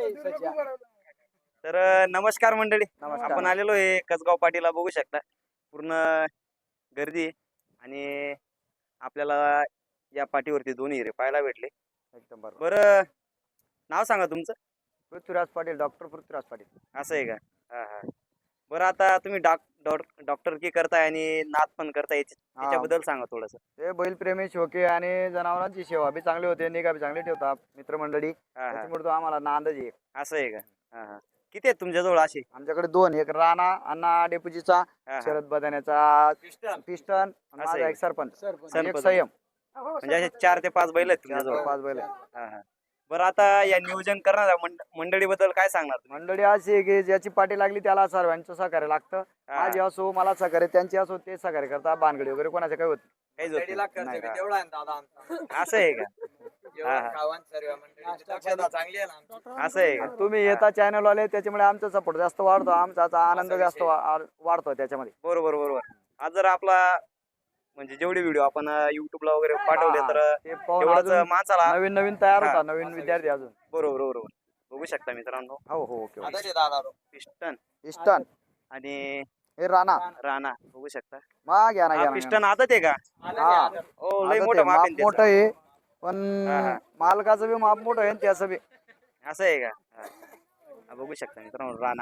तर नमस्कार मंडळी. नमस्कार. आपण आलेलो आहे कसगाव पाटीला, बघू शकता पूर्ण गर्दी आहे. आणि आपल्याला या पाठीवरती दोन हिरे पाहायला भेटले. एकदम बरोबर. बरं, नाव सांगा तुमचं. पृथ्वीराज पाटील, डॉक्टर पृथ्वीराज पाटील. असं आहे का? हा हा. बरं, आता तुम्ही डॉक्टर की करताय आणि नाद पण करताय, याच्याबद्दल सांगा थोडस. ते बैलप्रेमी शोके आणि जनावरांची सेवा बी चांगली होते, निगा बी चांगली ठेवतात मित्रमंडळी. हा हा. त्याच्यामुळे तो आम्हाला नांदच आहे. असं आहे का? हा हा. किती आहेत तुमच्याजवळ असे? आमच्याकडे दोन, एक राणा अण्णा डेपुजीचा, हा हा. शरद बदाण्याचा पिस्टन, आणि असं माझा आहे एक सरपंच, एक सरपंच. संयम. म्हणजे असे 4 ते 5 बैल आहेत तुमच्याजवळ? 4-5 बैल. हा हा. बरं, आता या नियोजन करणाऱ्या मंडळीबद्दल काय सांगणार तुम्ही? मंडळी अशी आहे की ज्याची पाठी लागली त्याला सर्वांचं सहकार्य लागतं. हा. माझी असो, मला सहकार्य, त्यांची असो, ते सहकार्य करतात. भानगडी वगैरे कोणाचे काही होत काहीच होत नाही. नाही का? असं आहे का? हा हा. असं आहे का? तुम्ही येता चॅनल वाले, त्याच्यामुळे आमचा सपोर्ट जास्त वाढतो, आमचा आनंद जास्त वाढतो त्याच्यामध्ये. बरोबर बरोबर. आज जर आपला म्हणजे जेवढे व्हिडिओ आपण युट्यूबला वगैरे पाठवले, तर ते पाहून तेवढंच अजून माणसाला. नवीन नवीन तयार हा. होता, नवीन विद्यार्थी अजून. बरोबर बरोबर. बघू शकता मित्रांनो, हो हो, ओके. पिस्टन पिस्टन आणि हे राणा राणा बघू शकता. मा घ्या ना, हा घ्या ना. पिस्टन आदत आहे का? हा, हो, लय आता मोठं ते माप माप आहे मोठं त्याचं. आहे, पण हा, हा. मालकाचं बी माप मोठं आहे आणि त्याचं बी. असं आहे का? हा. हा, बघू शकता मित्रांनो, राणा.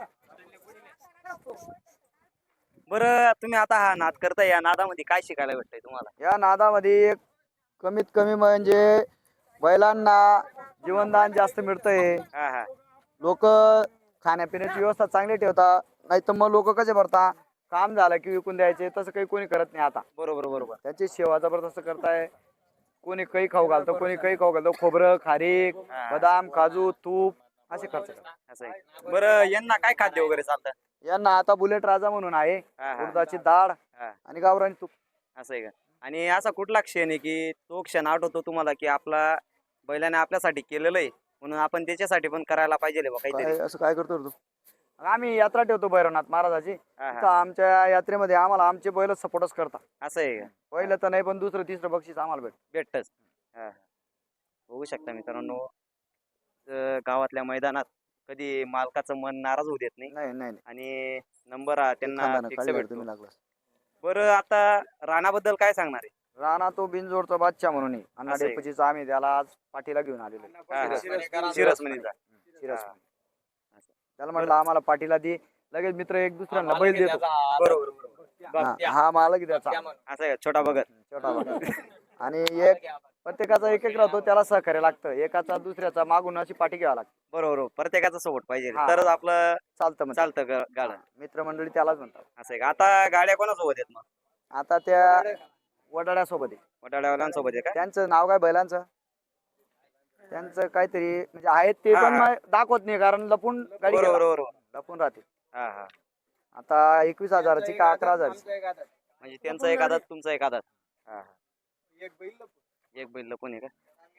बरं, तुम्ही आता हा नाद करताय, या नादामध्ये काय शिकायला भेटतंय तुम्हाला? या नादामध्ये एक कमीत कमी म्हणजे बैलांना जीवनदान जास्त मिळतंय. हा हा. लोक खाण्यापिण्याची व्यवस्था चांगली ठेवतात, नाही तर मग लोक कसे भरतात, काम झालं की विकून द्यायचे, तसं काही कोणी करत नाही आता. बरोबर बरोबर. त्याची सेवा जबरदस्त करताय. कोणी काही खाऊ घालतं, कोणी काही खाऊ घालतं, खोबरं, खारीक, हा. बदाम, काजू, तूप असे खर्च करतात. असं आहे. बरं, यांना काय खाद्य वगैरे चालतं? यांना आता बुलेट राजा म्हणून आहे, हा हा. उडदाची डाळ हा. आणि गावरान तूप. असं आहे का? आणि असा कुठला क्षण आहे की तो क्षण आठवतो तुम्हाला, की आपला बैलाने आपल्यासाठी केलेलं आहे, म्हणून आपण त्याच्यासाठी पण करायला पाहिजे बा काहीतरी? काय असं काय करतो रे तू? आम्ही यात्रा ठेवतो भैरवनाथ महाराजाची. हा हा. तर आमच्या यात्रेमध्ये आम्हाला आमचे बैल सपोर्टच करतात. असं आहे का? पहिलं तर नाही, पण दुसरं तिसरं बक्षीस आम्हाला भेटतच. हा हा. बघू शकता मित्रांनो, गावातल्या मैदानात कधी मालकाचं मन नाराज होऊ देत नाही, नाही नाही नाही. आणि नंबर त्यांना खानदानं फिक्स काढल्यावर भेटतो. तुम्ही लागलास. बरं, आता राणाबद्दल काय सांगणार आहे? राणा तो बिनजोडचा बादशाह म्हणून आहे. अण्णा असं आहे. डेपुजीचा आम्ही त्याला आज पाठीला घेऊन आलेलो आहे. हा हा. शिरसमणीचा. शिरसमणीचा. शिरसमणी. असं. त्याला म्हटलं आम्हाला पाठीला दे, लगेच मित्र एक दुसऱ्यांना बैल देतो. बरोबर बरोबर. हा मालक त्याचा असं आहे का? छोटा बघत. छोटा भाग. आणि एक प्रत्येकाचा एक एक राहतो, त्याला सहकार्य लागतं. एकाचा दुसऱ्याचा मागून अशी पाठी घ्यावी लागते. बरोबर. प्रत्येकाचा सपोर्ट पाहिजे, हा. तरच आपलं चालतं म्हणजे. चालतं गाडं. मित्रमंडळी त्यालाच म्हणतात. असं आहे का? आता गाड्या कोणासोबत आहेत मग? आता त्या वडाड्यासोबत आहे. वडाळ्यावाल्यांसोबत आहे का? त्यांचं नाव काय बैलांचं? त्यांचं काहीतरी म्हणजे आहेत ते, हा, पण हा. दाखवत नाही, कारण लपून गाडी बरोबर घेतात. बरोबर. लपून राहते. हा हा. आता 21,000ची का 11,000ची? म्हणजे त्यांचा एक आदात, तुमचा एक आदात. हा हा. एक बैल लपून आहे का?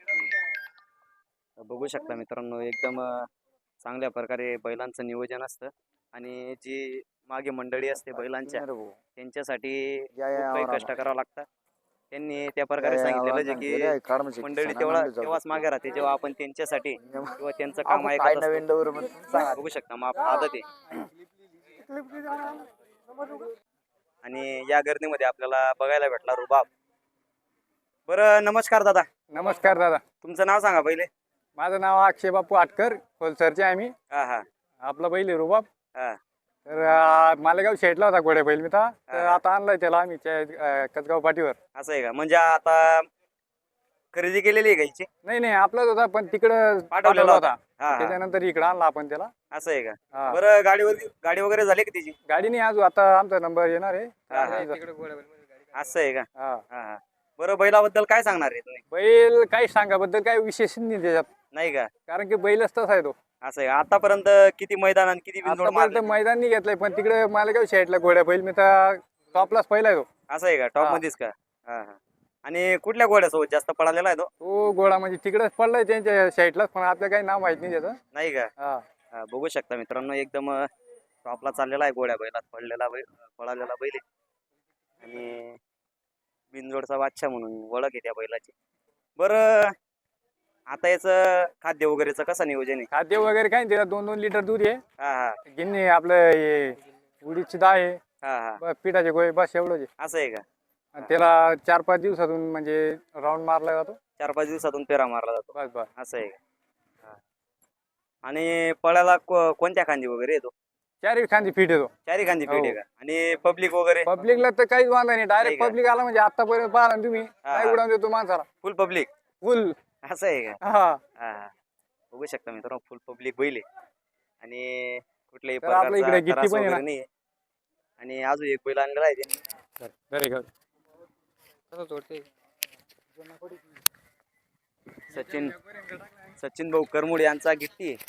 बघू शकता मित्रांनो, एकदम चांगल्या प्रकारे बैलांचं नियोजन असतं, आणि जी मागे मंडळी असते बैलांच्या, त्यांच्यासाठी खूप काही कष्ट करावं लागतं. त्यांनी त्या प्रकारे सांगितलेलं जे की मंडळी तेव्हाच मागे राहते जेव्हा आपण त्यांच्यासाठी किंवा त्यांचं काम ऐकत असतो. बघू शकता, माप आदत आहे. आणि या गर्दीमध्ये आपल्याला बघायला भेटला रुबाब. बरं, नमस्कार दादा. नमस्कार दादा. तुमचं नाव सांगा पहिले. माझं नाव अक्षय बापू आटकर, होलसरचे आम्ही. हा हा. आपला बैल आहे रुबाब. हा. तर मालेगाव शेटला होता घोड्या बैल मी तर हा. आता आणलाय त्याला आम्ही कसगाव पाठीवर. असं आहे का? म्हणजे आता खरेदी केलेली आहे गायची? नाही नाही, आपलाच होता, पण तिकडं पाठवलेला होता. हा हा. त्याच्यानंतर इकडं आणला आपण त्याला. असं आहे का? हा. बरं, गाडी वगैरे झाली का त्याची? गाडी नाही अजून, आता आमचा नंबर येणार आहे. हा, हा. असं आहे का? हा. हा हा. बरं, बैलाबद्दल काय सांगणार आहे तुम्ही? बैल काही सांगाबद्दल काही विशेष नाही त्याच्यात, नाही का? कारण की बैलच तसा आहे तो. असं आहे का? आतापर्यंत किती मैदान आणि किती बिनजोड आतापर्यंत मारले? मैदान नाही घेतलंय, पण तिकडे मालेगाव शेटला घोड्या बैल मी तर टॉपलाच पहिला आहे तो. असं आहे का? टॉप मध्येच का? हा हा. आणि कुठल्या घोड्यासोबत जास्त पळालेला आहे तो? तो घोडा म्हणजे तिकडेच पडलाय त्यांच्या साईडलाच, पण आपल्या काही नाव माहित नाही त्याचं. नाही का? हा. हा, बघू शकता मित्रांनो, एकदम टॉपला चाललेला आहे घोड्या बैलात, पळालेला बैल आहे. आणि बिनजोडचा बादशाह म्हणून ओळख आहे त्या बैलाची. बरं, आता याचं खाद्य वगैरेचं कसं नियोजन आहे? खाद्य वगैरे काही नाही, त्याला 2-2 लिटर दूध आहे. हा हा गिन्नी आपलं हे उडीदची डाळ आहे, हा हा बस पिठाचे गोळे, बस एवढंच आहे. असं आहे का? आणि त्याला 4-5 दिवसातून म्हणजे राऊंड मारला जातो. 4-5 दिवसातून पेरा मारला जातो. बस बस. असं आहे का? हा. आणि पळाला कोणत्या खांदी वगैरे येतो? चारी खांदी फिट येतो. चारी खांदी हो. पीठ आहे का? आणि पब्लिक वगैरे पब्लिकला तर काहीच वांधा नाही, नाही डायरेक्ट का? पब्लिक आला म्हणजे आतापर्यंत पाहिला ना तुम्ही, हा. काय उडवून देतो माणसाला फुल पब्लिक फुल. असं आहे का? हा हा हा बघू शकता मित्रांनो, फुल पब्लिक बैल आहे आणि कुठल्याही तर आपल्या इकडे प्रकारचा गिट्टी त्रास पण आहे वगैरे ना. नाही आहे. आणि अजून एक बैल आणलेला आहे त्यांनी. very good. सचिन सचिन भाऊ करमुड यांचा गिट्टी आहे.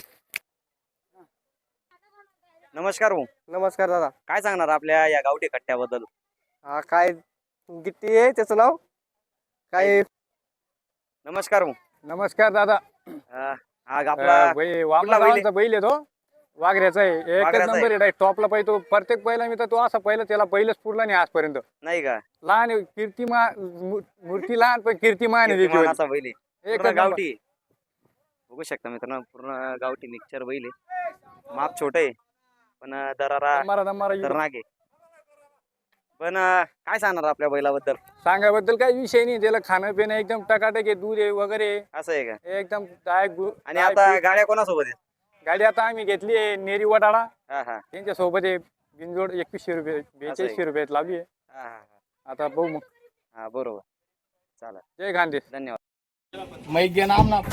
नमस्कार भाऊ, नमस्कार दादा. काय सांगणार आपल्या या गावठी कट्ट्याबद्दल? हा काय गिट्टी आहे त्याचं नाव काय? नमस्कार भाऊ. नमस्कार दादा. हा आपला वामला बैल आहे? गावांचा बैल आहे तो, वाघऱ्याचा आहे, एकच वाघऱ्याचा नंबर आहे, डायरेक्ट टॉपला पाहिजे तो. प्रत्येक पहिला मी तर तो असा पहिला त्याला पहिलंच पुरला नाही आजपर्यंत. नाही का? लहान आहे, कीर्तिमान मूर्ती लहान पण कीर्तिमान आहे त्याची. कीर्तिमानाचा बैल आहे. एकच पूर्ण नंबर. गावठी आहे. बघू शकता मित्रांनो, पूर्ण गावठी मिक्सचर बैल आहे. माप छोट आहे पण दरारा दमारा खतरनाक आहे. पण काय सांगणार आपल्या बैलाबद्दल? सांगाबद्दल काही विषय नाही, त्याला खाणं पिणं एकदम टकाटक आहे, दूध आहे वगैरे असं आहे का? एकदम आणि आता गाड्या कोणासोबत आहेत? गाडी आता आम्ही घेतली आहे नेरी वडाळा, हा हा त्यांच्या सोबत आहे. बिनजोड 2100 रुपये 4200 रुपयात लावली आहे. हा हा हा. आता बघू मग. हा बरोबर. चालेल, जय खानदेश. धन्यवाद. मै घे नाम ना.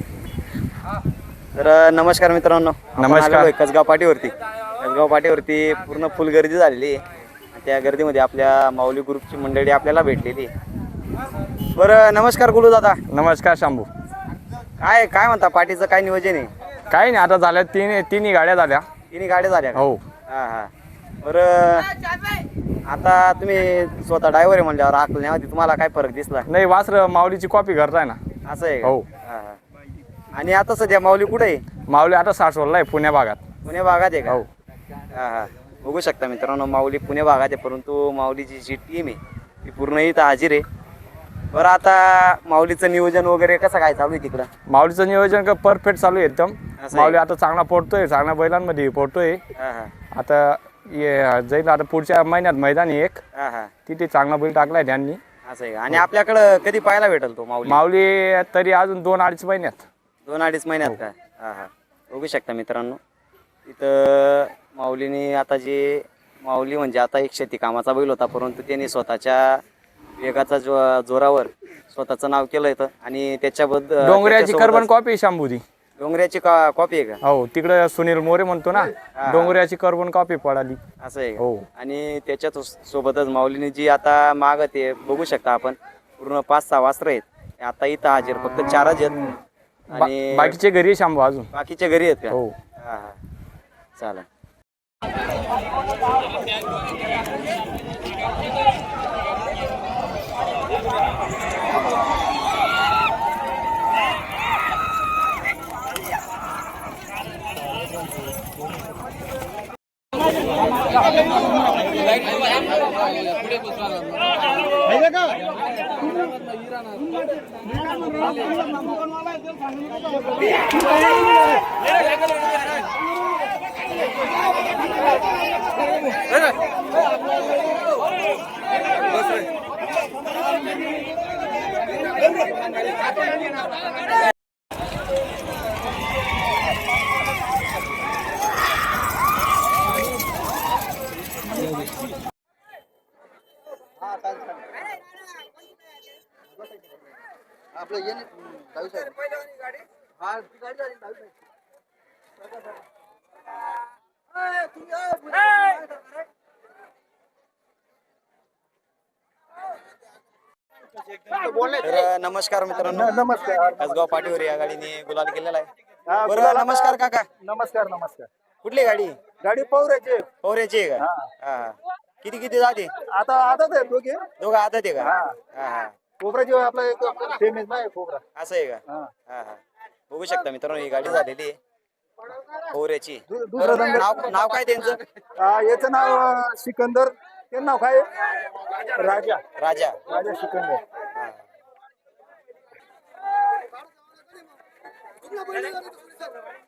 तर नमस्कार मित्रांनो, नमस्कार. आपण आलेलो आहे कसगाव पाटीवरती. कसगाव पाटीवरती पूर्ण फुल गर्दी झालेली आहे. त्या गर्दीमध्ये आपल्या माऊली ग्रुपची मंडळी आपल्याला भेटलेली आहे. बरं, नमस्कार गुलू दादा. नमस्कार शंभू. काय काय म्हणता, पार्टीचं काय नियोजन आहे? काही नाही, आता झाल्या तिन्ही गाड्या झाल्या. तिन्ही गाड्या झाल्या का? हो. हा हा. बरं, आता तुम्ही स्वतः ड्रायव्हर आहे म्हणल्यावर आकलण्यामध्ये तुम्हाला काय फरक दिसला? नाही, वासर माऊलीची कॉपी करताय ना. असं आहे का? हो. हा हा. आणि आता सध्या माऊली कुठे आहे? माऊली आता सासवडला आहे, पुण्या भागात. पुणे भागात आहे का? हो. हा हा. बघू शकता मित्रांनो, माऊली पुणे भागात आहे, परंतु माऊलीची जी टीम आहे ती पूर्ण इथं हाजीर आहे. बरं, आता माऊलीचं नियोजन वगैरे कसं काय चालू आहे तिकडं? माऊलीचं नियोजन परफेक्ट चालू आहे एकदम. आहे. माऊली आता चांगला पोडतोय, चांगल्या बैलांमध्ये पोडतोय. हा हा आता जाईल आता पुढच्या महिन्यात मैदान आहे एक, हा हा. तिथे चांगला बैल टाकलाय त्यांनी. असं आहे का? आणि आपल्याकडं कधी पाहायला भेटेल तो माऊली? माऊली तरी अजून 2-2.5 महिन्यात. 2-2.5 महिन्यात का? हा हा. बघू शकता मित्रांनो, इथं माऊलीने आता जे माऊली म्हणजे आता एक शेती कामाचा बैल होता, परंतु त्यांनी स्वतःच्या वेगाचा जोरावर स्वतःचं नाव केलं इथं. आणि त्याच्याबद्दल डोंगऱ्याची कर्बन कॉपी शंभूची. डोंगऱ्याची कॉपी आहे का? हो, तिकडे सुनील मोरे म्हणतो ना, डोंगऱ्याची कर्बन कॉपी पडाली. असं आहे का? हो. आणि त्याच्यात सोबतच माऊलीने जी आता माग ते बघू शकता आपण, पूर्ण 5-6 वासरं आहेत आता इथं हाजीर. फक्त 4च आहेत आणि बाकीचे घरी आहे शंभू अजून. बाकीचे घरी आहेत का? हो. हा हा. चालेल. तर नमस्कार मित्रांनो, नमस्कार. कसगाव पाटीवर या गाडीने गुलाल केलेला आहे. बरं, नमस्कार काका. नमस्कार. नमस्कार. कुठली गाडी? गाडी पवऱ्याची. पवऱ्याची आहे का? हा हा. किती जाते? आता आताच आहे दोघे. दोघं आदत आहे का? हा हा. कोबराची आपला एक फेमस नाही कोबरा. असं आहे का? हा हा. बघू शकता मित्रांनो, ही गाडी झालेली आहे पवऱ्याची. दुसरं नाव काय त्यांचं? याचं नाव सिकंदर. ते नाव काय? राजा. राजा. राजा सिकंदर. हा. तुमला बैल